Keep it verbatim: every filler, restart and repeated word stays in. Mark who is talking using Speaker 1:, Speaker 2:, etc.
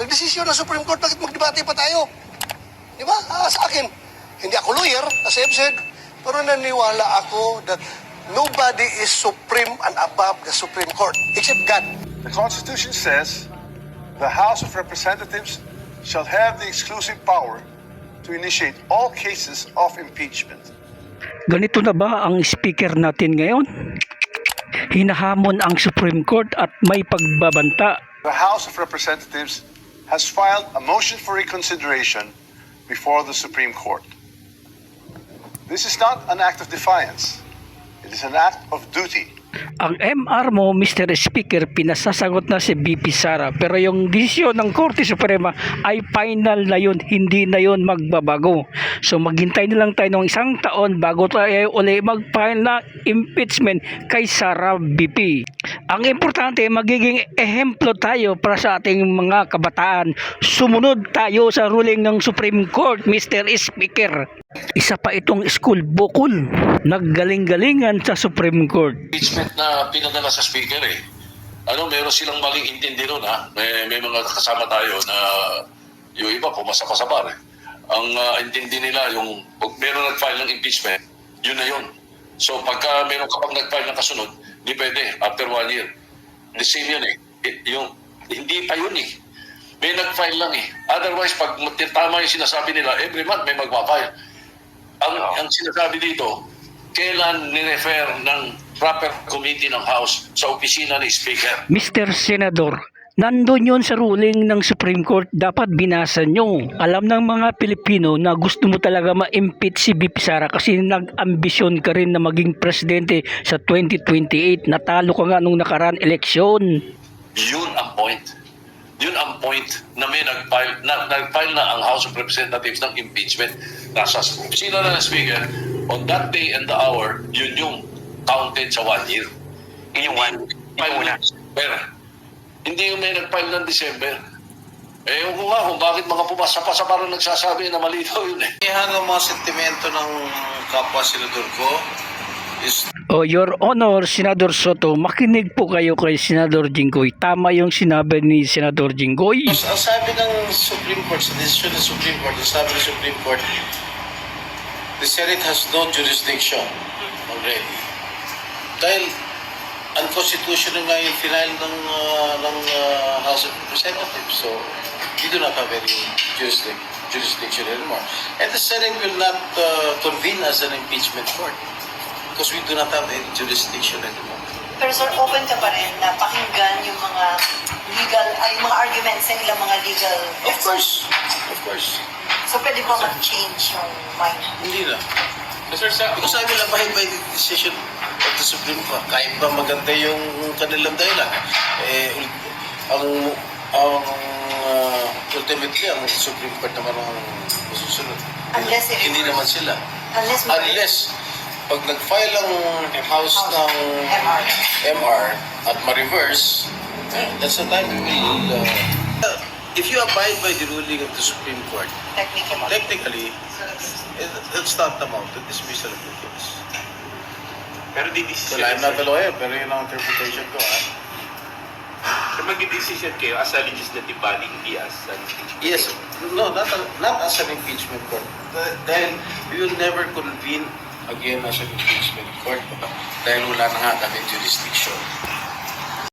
Speaker 1: Nagdesisyon ng Supreme Court, bakit magdebate pa tayo? Di ba? Ah, sa akin, hindi ako lawyer, as I've said, pero naniwala ako that nobody is supreme and above the Supreme Court, except God.
Speaker 2: The Constitution says the House of Representatives shall have the exclusive power to initiate all cases of impeachment.
Speaker 3: Ganito na ba ang speaker natin ngayon? Hinahamon ang Supreme Court at may pagbabanta.
Speaker 2: The House of Representatives has filed a motion for reconsideration before the Supreme Court. This is not an act of defiance. It is an act of duty.
Speaker 3: Ang M R mo, Mister Speaker, pinasasagot na si B P Sara, pero yung desisyon ng Korte Suprema ay final na yun, hindi na yun magbabago. So maghintay na lang tayo ng isang taon bago tayo uli mag-file na impeachment kay Sara B P. Ang importante, magiging ehemplo tayo para sa ating mga kabataan. Sumunod tayo sa ruling ng Supreme Court, Mister Speaker. Isa pa itong school bukol, naggaling-galingan sa Supreme Court.
Speaker 4: Impeachment na pinadala sa speaker eh. Ano, meron silang maling intindi nun ha. May, may mga kasama tayo na yung iba pumasa pa sa bar eh. Ang uh, intindi nila yung pag meron nag-file ng impeachment, yun na yun. So pagka meron ka pang nag-file ng kasunod, di pwede after one year. The same yun eh. It, yung, hindi pa yun eh. May nag-file lang eh. Otherwise, pag tama yung sinasabi nila, every month may magpa-file. Ang, ang sinasabi dito, kailan ni-refer ng proper committee ng House sa opisina ni Speaker?
Speaker 3: Mister Senador, nandun yun sa ruling ng Supreme Court, dapat binasa nyo. Alam ng mga Pilipino na gusto mo talaga ma-impeach si B P Sara kasi nag-ambisyon ka rin na maging presidente sa twenty twenty-eight. Natalo ka nga nung nakaraan eleksyon.
Speaker 4: Yun ang point. Yun ang point na may nag-file na, nag-file na ang House of Representatives ng impeachment. Nasa opisina na ng Speaker, on that day and the hour, yun yung counted sa one year.
Speaker 5: Yung one, yung una.
Speaker 4: Pero, hindi yung may nag-file ng December. Eh, yung nga kung bakit mga pumasa pa sa parang nagsasabi na mali daw yun eh.
Speaker 6: Yan ang mga sentimento ng kapwa senador ko is...
Speaker 3: O, Your Honor, Senador Soto, makinig po kayo kay Senador Jinggoy. Tama yung sinabi ni Senador Jinggoy.
Speaker 6: Ang sabi ng Supreme Court, sa desisyon ng Supreme Court, ang sabi ng Supreme Court, the Senate has no jurisdiction already. Dahil unconstitutional nga yung final ng, uh, ng uh, House of Representatives. So, we do not have any jurisdiction, jurisdiction anymore. And the Senate will not uh, convene as an impeachment court because we do not have any jurisdiction anymore.
Speaker 7: Pero sir, open ka pa rin na pakinggan yung mga legal, ay mga arguments ng ilang mga legal
Speaker 6: Of
Speaker 7: experts.
Speaker 6: course, of course.
Speaker 7: So pwede ba mag-change yung mind?
Speaker 6: Hindi na. Because I will abide by the decision of the Supreme Court. Kahit ba maganda yung kanilang dahilan. Eh, ang, ang uh, ultimately, ang Supreme Court naman ang masusunod.
Speaker 7: Unless it-
Speaker 6: Hindi naman sila.
Speaker 7: Unless mag-
Speaker 6: Unless, pag nag-file ang House
Speaker 7: House.
Speaker 6: ng
Speaker 7: M R.
Speaker 6: M R at ma-reverse, that's the time we will... Uh, if you abide by the ruling of the Supreme Court,
Speaker 7: Technically.
Speaker 6: technically, it, it's not amount to dismissal of the case.
Speaker 5: Pero di decision.
Speaker 6: Well, I'm not a lawyer, pero yun ang interpretation ko, ha?
Speaker 5: So mag-decision kayo as a legislative body, hindi as an impeachment.
Speaker 6: Yes, no, not, a, not as an impeachment court. Dahil we will never convene again as an impeachment court dahil wala na nga kami jurisdiction.